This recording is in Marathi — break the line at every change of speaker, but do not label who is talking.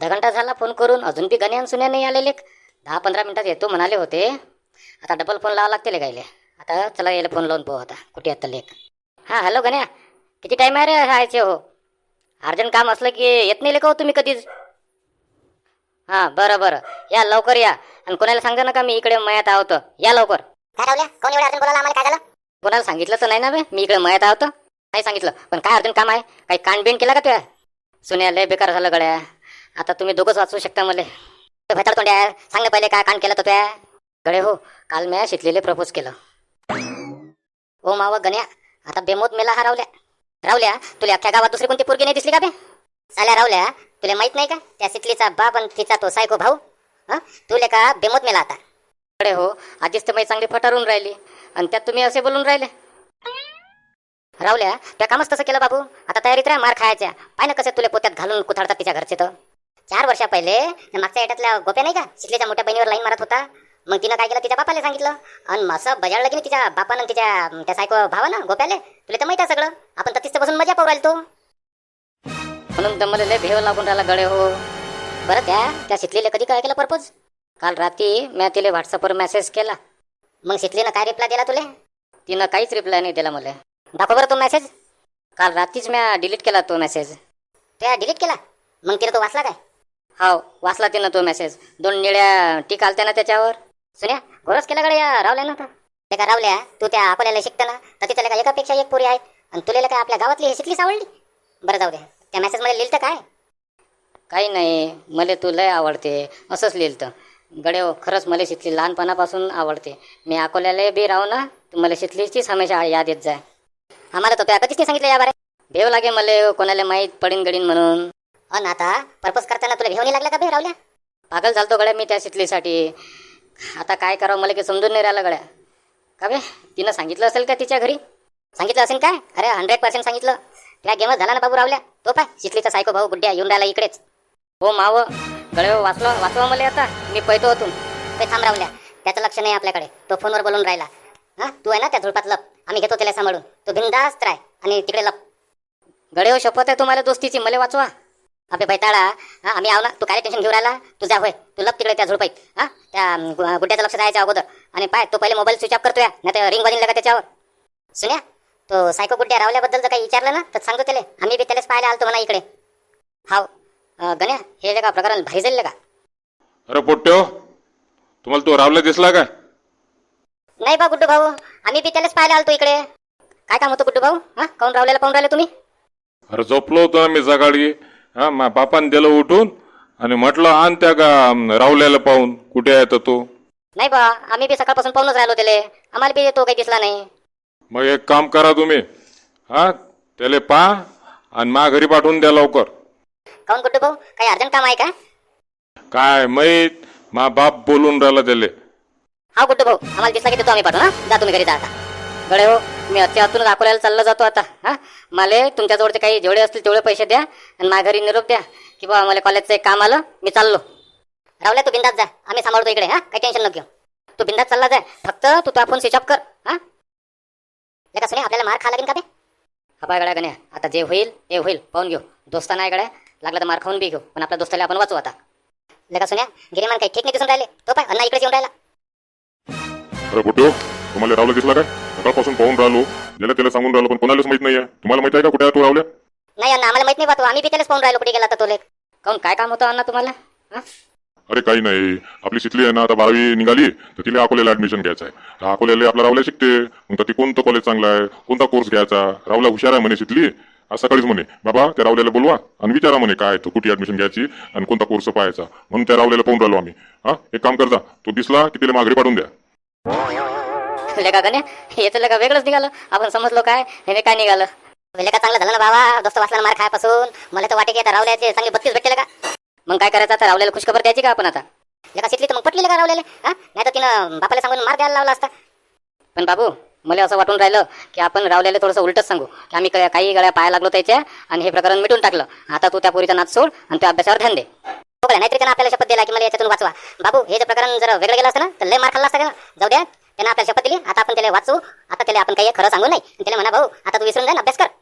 अर्धा घंटा झाला फोन करून, अजून बी गण्या आणि सुन्या नाही आलेले. 10-15 मिनिटात येतो म्हणाले होते. आता डबल फोन लावा लागते गायले. आता चला यायला फोन लावून पाहू आता कुठे येतं लेख. हां हॅलो गण्या, किती टाईम आहे रे राहायचे हो? अर्जंट काम असलं की येत नाही लेका हो तुम्ही कधीच. हां बरं बरं, या लवकर या. आणि कोणाला सांगा नका मी इकडे मयात आहोत, या लवकर.
काय रावल्या, कोण एवढं अर्जंट बोलायला? आम्हाला काय झालं?
कोणाला सांगितलं तर नाही ना बे, मी इकडे मयात आहोत. नाही सांगितलं, पण काय अर्जंट काम आहे? काही कांडबिंड केला का तुया? सुन्या लय बेकार झालं गड्या. आता तुम्ही दोघंच वाचू शकता मला. भेटाड तोंड्या, सांग ना पहिले काय कांड केलं तर तुया? गडे हो, काल मी शितलीले प्रपोज केलं. ओ मावा गण्या, आता बेमोत मेला हा रावल्या. रावल्या, तुला अख्ख्या गावात दुसरी कोणती पोरगी नाही दिसली का बे? साल्या रावल्या, तुला माहित नाही का त्या शितलीचा बाप आणि तिचा तो सायको भाऊ? तुले का बेमोत मेला आता? गडे हो, आधीच तर मी चांगली फटारून राहिली आणि त्यात तुम्ही असे बोलून राहिले. रावल्या, त्या कामच तसं केलं बाबू. आता तयारीत राहा मार खायच्या. पाय ना कसं तुला पोत्यात घालून कुथाडतात तिच्या घरचे. तर 4 वर्षा पहिले मागच्या येटातल्या गोप्या नाही का, शितलीच्या मोठ्या बहिणीवर लाईन मारत होता. मग तिनं काय केलं, तिच्या बापाला सांगितलं आणि असं बजाडलं की तिच्या बापानं तिच्या त्या सायको भावानं गोप्याले. तुला तर माहिती आहे सगळं. आपण तर तिथं बसून मजा पाहू राहिलो. म्हणून तर मला लय भेव लागून राहिला गडे हो. बरं त्या शितलीला कधी काय केलं प्रपोज? काल रात्री मी तिला व्हॉट्सअपवर मेसेज केला. मग शितलीनं काय रिप्लाय दिला तुला? तिनं काहीच रिप्लाय नाही दिला मला. दाखव बरं तो मेसेज. काल रात्रीच मी डिलीट केला तो मेसेज. त्या डिलीट केला? मग तिनं तो वाचला काय? हो वाचला तिनं तो मेसेज. 2 निळ्या टिक आलत्या ना त्याच्यावर. सुन्या घोरच केला गड्या या रावल्या ना. ते का रावल्या, तू त्या अकोल्याला शिकता ना, तर तिथं का एकापेक्षा एक पोरी आहेत आणि तुला काय आपल्या गावातली हे शिकलीच आवडली? बरं जाऊ दे, त्या मेसेजमध्ये लिहिलं काय? काही नाही, मला तू लय आवडते असंच लिहिलं. गडे हो, खरंच मला शितली लहानपणापासून आवडते. मी अकोल्याला बी राहू ना, मला शितलीचीच हमेशा याद येत जाय. आम्हाला तर तुला कधीच नाही सांगितलं या बारे. भेव लागे मला कोणाला माहीत पडीन गडीन म्हणून. अन आता पर्पज करताना तुला भेव नाही लागला का बे रावल्या? पागल झालतो गड्या मी त्या शितलीसाठी. आता काय करावं मला काही समजून नाही राहिलं गड्या. का बे, तिनं सांगितलं असेल का तिच्या घरी? सांगितलं असेल काय? अरे 100% सांगितलं. त्या गेमच झाला ना बाबू रावल्या. तो पाय शितलीचा सायको भाऊ गुड्ड्या येऊन राहिला इकडेच. हो माव गळे हो, वाचवा मला आता. मी पैतो होतून. ते थांब रावल्या, त्याचं लक्ष नाही आपल्याकडे. तो फोनवर बोलून राहिला. तू आहे ना त्या झुडपात लप, आम्ही घेतो त्याला सांभाळून. तो बिंदास्त राय आणि तिकडे लप. गडे हो, शपथ आहे तुम्हाला दोस्तीची, मला वाचवा. अबे बैताळा, आम्ही आव ना, तू काय टेन्शन घेऊ राहिला? तू जा होय, तू लप तिकडे त्या झुडपाईत. त्या गुड्ड्याचं लक्ष द्यायच्या अगोदर. आणि पाय तो पहिले मोबाईल स्विच ऑफ करतोय, नाही तर रिंग वाजून का त्याच्यावर. सुन्या, तो सायको गुड्ड्या रावल्याबद्दल जर काही विचारलं ना तर सांगतो त्याला, आम्ही बी त्यालाच पाहायला आलतो म्हणा इकडे. हाव गण्या, हे का प्रकरण भारी झाले का?
अरे पोट्ट्यो, तुम्हाला तो रावला दिसला काय?
नाही बा गुड्डू भाऊ, आम्ही बी त्यालाच पाहायला आलतो इकडे. काय काम होतं गुड्डू भाऊ? काऊन रावल्याला पाहून राहिले तुम्ही?
अरे झोपलो होतो ना मी सकाळी. मा बापाने दिलं उठून आणि म्हटलं आण त्या का रावल्याला पाहून. कुठे आहे तर तो?
नाही बा, आम्ही बी सकाळपासून पाहूनच राहिलो त्याले. आम्हाला बी तो काही दिसला नाही.
मग एक काम करा तुम्ही, त्याला पहा आणि मा घरी पाठवून द्या लवकर.
काऊन गुड्डू भाऊ, काही अर्जंट काम आहे का?
काय माहीत, मा बाप बोलून राहिला त्याले.
हा गुड्डू भाऊ, आम्हाला दिसला की देतो आम्ही पाठवू. जा तुम्ही घरी जा आता. गडे हो, मी आतून दाखवल्याला चालला जातो आता. मला तुमच्याजवळचे काही जेवढे असतील तेवढे पैसे द्या आणि माझ्या घरी निरोप द्या की बा मला कॉलेजचं एक काम आलं, मी चाललो. रावल्या तू बिंदात जा, आम्ही सांभाळतो इकडे. काही टेन्शन नको घेऊ. तू बिंदात चालला जाय, फक्त तू तो फोन स्विच ऑफ कर. लेका सुने, आपल्याला मार खा लागेल का बे? हा पाय गड्या गण्या, आता जे होईल ते होईल, पाहून घेऊ. दोस्ताना आहे गड्या, लागलं तर मार खाऊन बी घेऊ, पण आपल्या दोस्ताला आपण वाचू आता. लेका सुन्या, गिरीमान काही ठीक नाही दिसून राहिले. तो पाय अण्णा इकडेच येऊन राहिला.
अरे पोट्यो, तुम्हाला रावला दिसला काय? सकाळपासून पाहून राहिलो, ज्याला त्याला सांगून राहिलो, पण कोणालाच माहित नाहीये. तुम्हाला माहित आहे का कुठे आहे तो रावल्या?
नाही अण्णा, आम्हाला माहित नाही बा. आम्ही बी त्यालाच पाहून राहिलो कुठे गेला तर तो लेख. काऊन काय काम होतं अण्णा तुम्हाला?
अरे काही नाही, आपली शितली आहे ना आता 12वी निघाली, तर तिला अकोल्याला ऍडमिशन घ्यायचं आहे. तर अकोल्याला आपला रावल्या शिकते. मग ती कोणतं कॉलेज चांगलं आहे, कोणता कोर्स घ्यायचा? रावला हुशार आहे म्हणे शितली. आज सकाळीच म्हणे बाबा त्या रावल्याला बोलवा आणि विचारा म्हणे काय तो कुठे ऍडमिशन घ्यायची आणि कोणता कोर्स पाहायचा. म्हणून त्या रावल्याला पाहून राहिलो आम्ही. एक काम करजा, तो दिसला की तिला माघारी पाठवून द्या.
लेका गण्या, हे तर लेका वेगळंच निघालं. आपण समजलो काय, हे काय निघालं. लेका चांगलं झालं ना बाबा, दोस्त वाचला मार खायपासून. मला तर वाटे की आता रावल्याचे चांगले 32 भेटले का? मग काय करायचं आता? रावल्याला खुशखबर द्यायची का आपण आता? लेका शिकली तर मग पटली का रावल्याला? नाही तर तिनं बापाला सांगून मार द्यायला लावला असता. पण बाबू, मला असं वाटून राहिलं की आपण रावल्याला थोडंसं उलटच सांगू की आम्ही काही गळ्या पाया लागलो त्याच्या आणि हे प्रकरण मिटून टाकलं. आता तू त्या पोरीचा नाच सोड आणि त्या अभ्यासावर ध्यान दे. नाहीतरी त्यानं आपल्याला शपथ दिला की मला याच्यातून वाचवा. बाबू, हे जर प्रकरण जर वेगळं गेलं असतं ना तर लय मार खाल्ला असता का? जाऊ द्या, त्यानं आपल्याला शपथ दिली, आता आपण त्याला वाचू. आता त्याला आपण काही खरं सांगू नाही. त्याला म्हणा भाऊ, आता तू विसरून जा, अभ्यास कर.